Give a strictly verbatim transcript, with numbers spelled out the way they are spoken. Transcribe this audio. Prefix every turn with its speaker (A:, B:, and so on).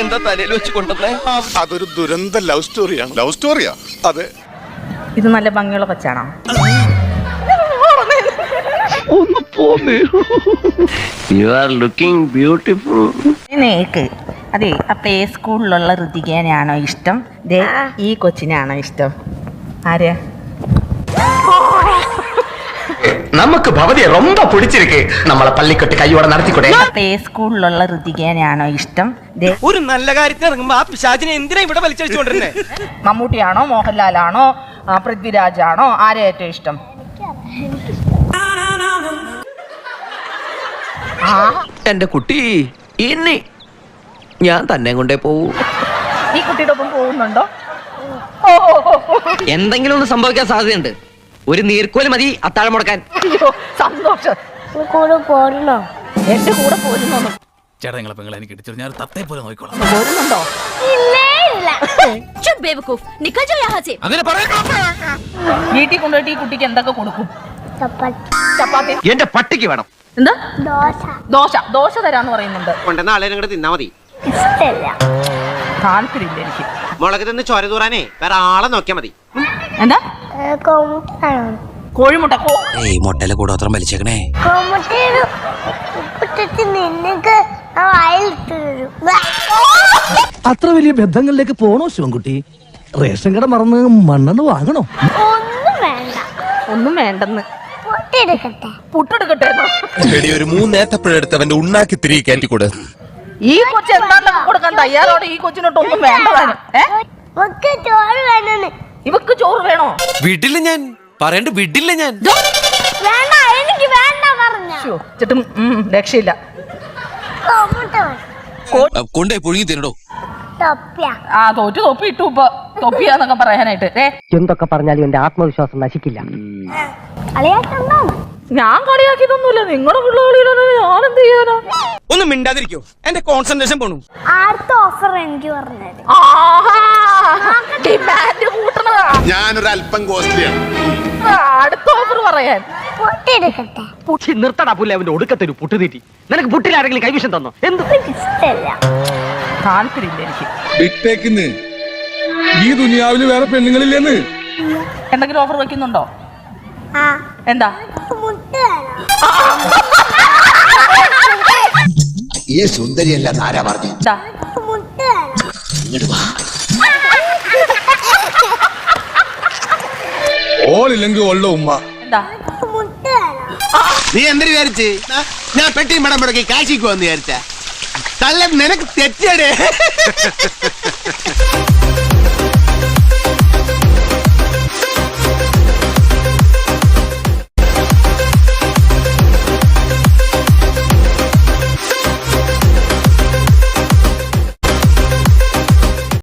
A: ഇതെന്താ തലയിൽ വെച്ച് കൊണ്ടുവന്നേ?
B: അതൊരു ദുരന്ത ലവ് സ്റ്റോറിയാണ്. ലവ് സ്റ്റോറിയാ? അതെ.
C: ഇത് നല്ല ഭംഗിയുള്ള കൊച്ചാണോ?
A: ഒന്ന് പോന്നേ. You are looking beautiful.
C: നേക്ക് അതെ, ആ പ്ലേ സ്കൂളിലുള്ള ഋതികേനാണോ ഇഷ്ടം? ദേ ഈ കൊച്ചിനാണോ ഇഷ്ടം? ആരെയാ?
D: നമുക്ക് ഭവതിയെ ரொம்ப പിടിച്ചിരിക്കേ. നമ്മളെ പള്ളിക്കെട്ട് കൈയോടെ നടത്തിക്കൂടെ?
C: പ്ലേ സ്കൂളിലുള്ള ഋതികേനാണോ ഇഷ്ടം? ദേ
E: ഒരു നല്ല കാര്യത്തിന് ഇറങ്ങുമ്പോ ആ പിശാചിനെ എന്തിനാ ഇവിടെ വലിച്ചടിച്ചോണ്ടിരുന്നേ?
C: മമ്മൂട്ടിയാണോ, മോഹൻലാലാണോ, പൃഥ്വിരാജാണോ, ആരെ ഏറ്റവും ഇഷ്ടം?
A: എന്റെ കുട്ടി ഇനി ഞാൻ തന്നെ കൊണ്ടേ പോവൂ.
C: ഈ കുട്ടിയുടെ ഒപ്പം പോകുന്നുണ്ടോ?
A: എന്തെങ്കിലും ഒന്ന് സംഭവിക്കാൻ സാധ്യതയുണ്ട്. ഒരു നീർക്കോല് മതി അത്താഴം മുടക്കാൻ.
C: അയ്യോ സന്തോഷം.
F: കൂടെ പോരണോ?
C: എന്റെ കൂടെ പോരുന്നോ?
G: ചേട്ടാ നിങ്ങളെ പെങ്ങളെ എനിക്ക് ഇടിച്ചു ഞാൻ തത്തേ പോലെ നോക്കിക്കോളാം.
C: പോരുന്നുണ്ടോ? വീട്ടിൽ കൊണ്ടുപോയിട്ട് ഈ കുട്ടിക്ക് എന്തൊക്കെ കൊടുക്കും? ചപ്പാത്തി.
D: എന്റെ പട്ടിക്ക് വേണം.
C: എന്താ?
F: ദോശ.
C: ദോശ. ദോശ തരാന്ന് പറയുന്നുണ്ട്.
E: കൊണ്ടുവന്ന ആളെ അങ്ങോട്ട് തിന്നാ മതി.
F: ഇഷ്ടല്ല.
C: താല്പര്യമില്ല എനിക്ക്.
E: മുളക് തിന്ന് ചോര തൂറാനേ വേറെ ആളെ നോക്കിയാ മതി.
C: എന്താ?
F: കോമുട്ടാണോ?
C: കോഴിമുട്ട.
A: മുട്ടയിലെ കൂടോത്രം വലിച്ചേക്കണേ.
F: കോമുട്ടയുടെ ഉപ്പിട്ടിട്ട് നിനക്ക് ആ വായിലിട്ട് തരും.
H: അത്ര വലിയ ബന്ധങ്ങളിലേക്ക് പോണോ ശിവൻകുട്ടി? റേഷൻ കട മറന്ന് മണ്ണെണ്ണ വാങ്ങണോ?
F: ഒന്നും വേണ്ട.
C: ഒന്നും വേണ്ടെന്ന്.
F: പൊട്ടിയെടുക്കട്ടെ?
C: പുട്ടെടുക്കട്ടെ.
I: ഒരു മൂന്നേത്തപ്പഴെടുത്ത് അവന്റെ ഉണ്ണാക്കി തിരികെ കയറ്റിക്കൂടെ?
C: ഈ കൊച്ചു എന്തായാലും കൊടുക്കാൻ തയ്യാറോടെ. ഈ കൊച്ചിനോട്ട് ഒന്നും വേണ്ടതാനും.
F: ഇവക്ക് ചോറ് വേണമെന്ന്.
C: ഇവക്ക് ചോറ് വേണോ?
G: വിടില്ല ഞാൻ പറയണ്ട, വിടില്ല ഞാൻ.
F: വേണ്ട, എനിക്ക് വേണ്ട പറഞ്ഞ.
C: ചേട്ടും രക്ഷയില്ല.
F: കോമുട്ട വേണം.
I: കൊണ്ടേ പുഴുങ്ങി തിന്നടോ.
F: തൊപ്പിയ.
C: ആ തോറ്റു തൊപ്പി ഇട്ടു. ഇപ്പൊ തൊപ്പിയാന്നൊക്കെ പറയാനായിട്ട്.
D: എന്തൊക്കെ പറഞ്ഞാലും എന്റെ ആത്മവിശ്വാസം നശിക്കില്ല.
F: കളിയാക്കണ്ടോ?
C: ഞാൻ കളിയാക്കിയതൊന്നുമില്ല. നിങ്ങളുടെ പിള്ളേളിയിലാണ്. ഞാൻ എന്ത് ചെയ്യാനാ?
E: ഒന്നും മിണ്ടാതിരിക്കോ, എന്റെ കോൺസെൻട്രേഷൻ പോണു.
F: അടുത്ത ഓഫർ എനിക്ക് പറഞ്ഞത്.
C: ഡിമാൻഡ് കൂട്ടണതാ.
B: ഞാനൊരു അല്പം കോസ്റ്റ്ലിയാണ്.
C: അടുത്ത ഓഫർ പറയാൻ.
F: പൊട്ടിയെടുക്കട്ടെ?
D: നിർത്തടാ പുല്ലേ അവന്റെ ഒടുക്കത്തൊരു പുട്ടുതീറ്റി. നിനക്ക് പുട്ടിൽ ആരെങ്കിലും കൈവിഷം തന്നോ? എന്ത്?
F: ഇഷ്ടല്ല.
C: താല്പര്യമില്ല എനിക്ക്.
I: ബിഗ്ടേക്കിന്ന് ഈ ദുനിയാവില് വേറെ പെണ്ണുങ്ങളില്ലെന്ന്.
C: എന്തെങ്കിലും ഓഫർ വെക്കുന്നുണ്ടോ?
F: ആ.
C: എന്താ?
F: മുട്ട വേണം.
J: ഈ സുന്ദരിയല്ല ആരാ പറഞ്ഞു?
C: എന്താ?
F: മുട്ട വേണം.
J: ഇങ്ങോട്ട് വാ.
I: ഓളില്ലെങ്കിൽ ഉള്ള ഉമ്മ.
C: എന്താ?
F: മുട്ട വേണം.
J: നീ എന്തിനു വിചാരിച്ച് ഞാൻ പെട്ടി മടം മുടക്കി കാശിക്ക് വന്ന് വിചാരിച്ച? തള്ള നിനക്ക് തെറ്റടേ.